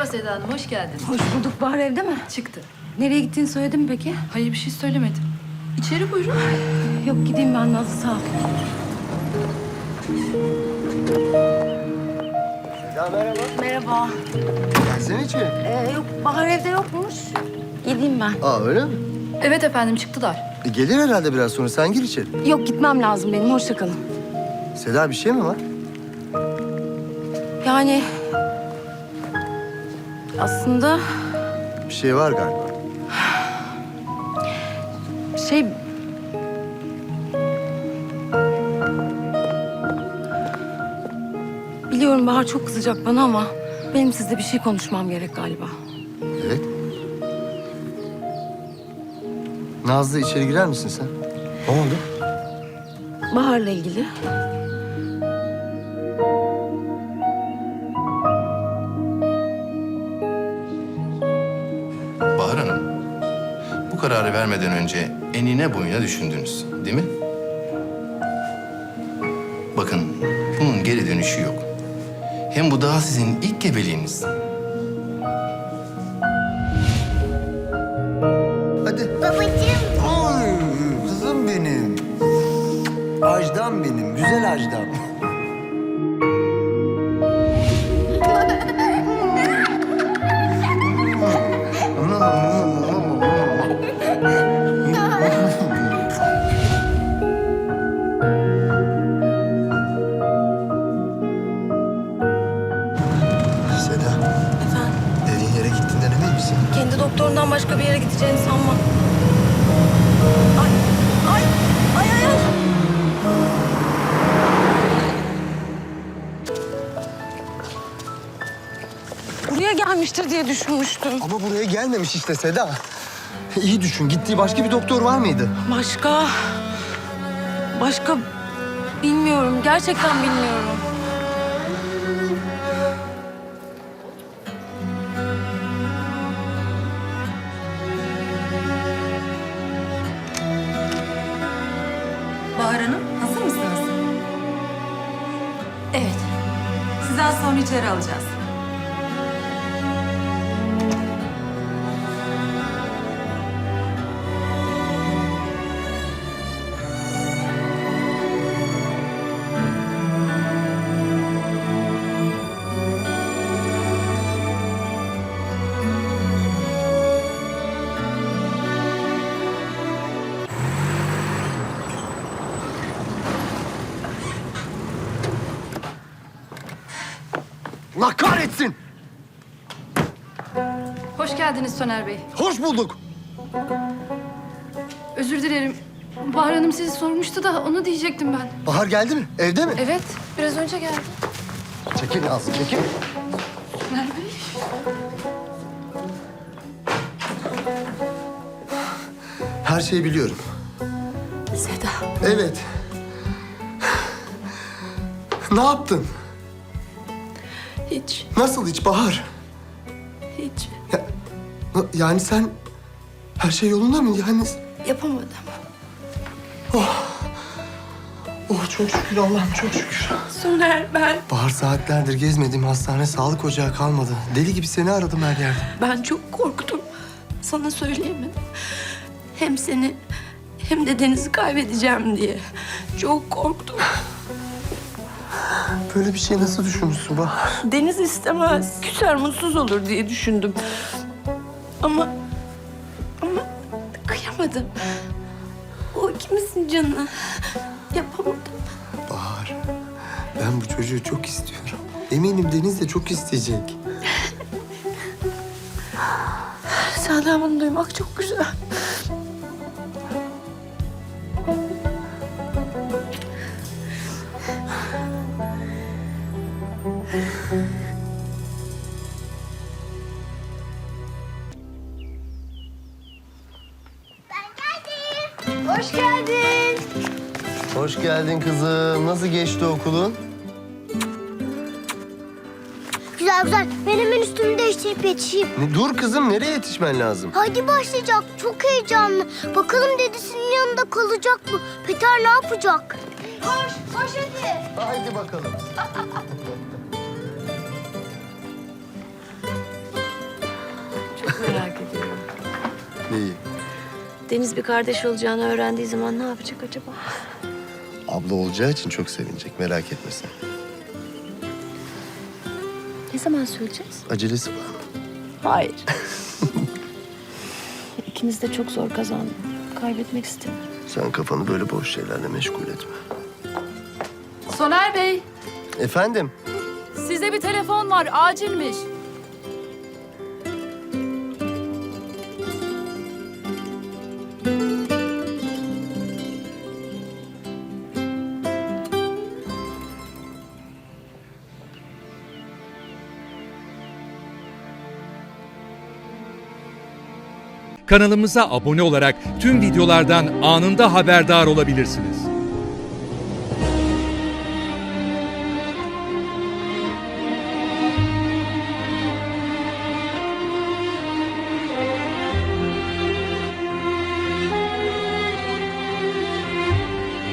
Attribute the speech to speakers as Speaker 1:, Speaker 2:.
Speaker 1: Merhaba Seda Hanım, hoş geldiniz.
Speaker 2: Hoş bulduk. Bahar evde mi?
Speaker 1: Çıktı.
Speaker 2: Nereye gittiğini söyledin mi peki?
Speaker 1: Hayır, bir şey söylemedim. İçeri buyurun.
Speaker 2: Yok gideyim ben Nazlı, sağ ol.
Speaker 3: Ya merhaba.
Speaker 2: Merhaba.
Speaker 3: Gelsene içeri.
Speaker 2: Yok Bahar evde yokmuş. Gideyim ben.
Speaker 3: Aa öyle mi?
Speaker 1: Evet efendim, çıktılar.
Speaker 3: Gelir herhalde biraz sonra. Sen gir içeri.
Speaker 2: Yok gitmem lazım benim. Hoşça kalın.
Speaker 3: Seda bir şey mi var?
Speaker 2: Yani aslında
Speaker 3: Bir şey var galiba.
Speaker 2: şey biliyorum Bahar çok kızacak bana ama benim sizle bir şey konuşmam gerek galiba.
Speaker 3: Evet. Nazlı içeri girer misin sen? Ne oldu?
Speaker 2: Bahar'la ilgili.
Speaker 4: Bahar Hanım, bu kararı vermeden önce enine boyuna düşündünüz, değil mi? Bakın, bunun geri dönüşü yok. Hem bu daha sizin ilk gebeliğiniz.
Speaker 3: Hadi.
Speaker 5: Babacığım.
Speaker 3: Oy, kızım benim. Ajdam benim. Güzel ajdam. Seda,
Speaker 2: Efendim?
Speaker 3: dediğin yere gittiğinden emin misin?
Speaker 2: Kendi doktorundan başka bir yere gideceğini sanmam. Ay, ay, ay, ay, ay. Buraya gelmiştir diye düşünmüştüm.
Speaker 3: Ama buraya gelmemiş işte Seda. İyi düşün. Gittiği başka bir doktor var mıydı?
Speaker 2: Başka bilmiyorum. Gerçekten bilmiyorum.
Speaker 6: Bahar Hanım, hazır mısınız?
Speaker 1: Evet.
Speaker 6: Sizi az sonra içeri alacağız.
Speaker 3: Allah kahretsin!
Speaker 1: Hoş geldiniz Soner Bey.
Speaker 3: Hoş bulduk.
Speaker 1: Özür dilerim. Bahar Hanım sizi sormuştu da onu diyecektim ben.
Speaker 3: Bahar geldi mi? Evde mi?
Speaker 1: Evet, biraz önce geldi.
Speaker 3: Çekil Nazlı, çekil.
Speaker 1: Soner Bey.
Speaker 3: Her şeyi biliyorum.
Speaker 2: Seda.
Speaker 3: Evet. Ne yaptın?
Speaker 2: Hiç,
Speaker 3: Nasıl hiç Bahar?
Speaker 2: hiç
Speaker 3: Yani sen... Her şey yolunda mı? Yani...
Speaker 2: yapamadım.
Speaker 3: Oh çok şükür Allah'ım çok şükür.
Speaker 2: Soner,
Speaker 3: Bahar saatlerdir gezmediğim hastane sağlık ocağı kalmadı. Deli gibi seni aradım her yerde.
Speaker 2: ben çok korktum. Sana söyleyemedim. Hem seni hem de Deniz'i kaybedeceğim diye. Çok korktum.
Speaker 3: Böyle bir şey nasıl düşünmüşsün Bahar?
Speaker 2: Deniz istemez. Küser, mutsuz olur diye düşündüm. Ama kıyamadım. O ikimizin canı. Yapamadım.
Speaker 3: Bahar, ben bu çocuğu çok istiyorum. Eminim Deniz de çok isteyecek.
Speaker 2: Senden bunu duymak çok güzel.
Speaker 5: Hoş geldin.
Speaker 3: Hoş geldin kızım. Nasıl geçti okulun?
Speaker 5: Güzel güzel. Ben hemen üstümü değiştirip yetişeyim.
Speaker 3: Dur kızım, nereye yetişmen lazım?
Speaker 5: Hadi başlayacak. Çok heyecanlı. Bakalım dedesinin yanında kalacak mı? Peter ne yapacak? Koş, koş hadi.
Speaker 3: Haydi bakalım.
Speaker 2: Merak ediyorum.
Speaker 3: Neyi?
Speaker 2: Deniz bir kardeş olacağını öğrendiği zaman ne yapacak acaba?
Speaker 3: Abla olacağı için çok sevinecek, merak etme sen.
Speaker 2: Ne zaman söyleyeceğiz?
Speaker 3: Acelesi var mı?
Speaker 2: Hayır. İkimiz de çok zor kazandık. Kaybetmek istemiyorum.
Speaker 3: Sen kafanı böyle boş şeylerle meşgul etme.
Speaker 1: Soner Bey,
Speaker 3: Efendim?
Speaker 1: size bir telefon var. Acilmiş.
Speaker 7: Kanalımıza abone olarak tüm videolardan anında haberdar olabilirsiniz.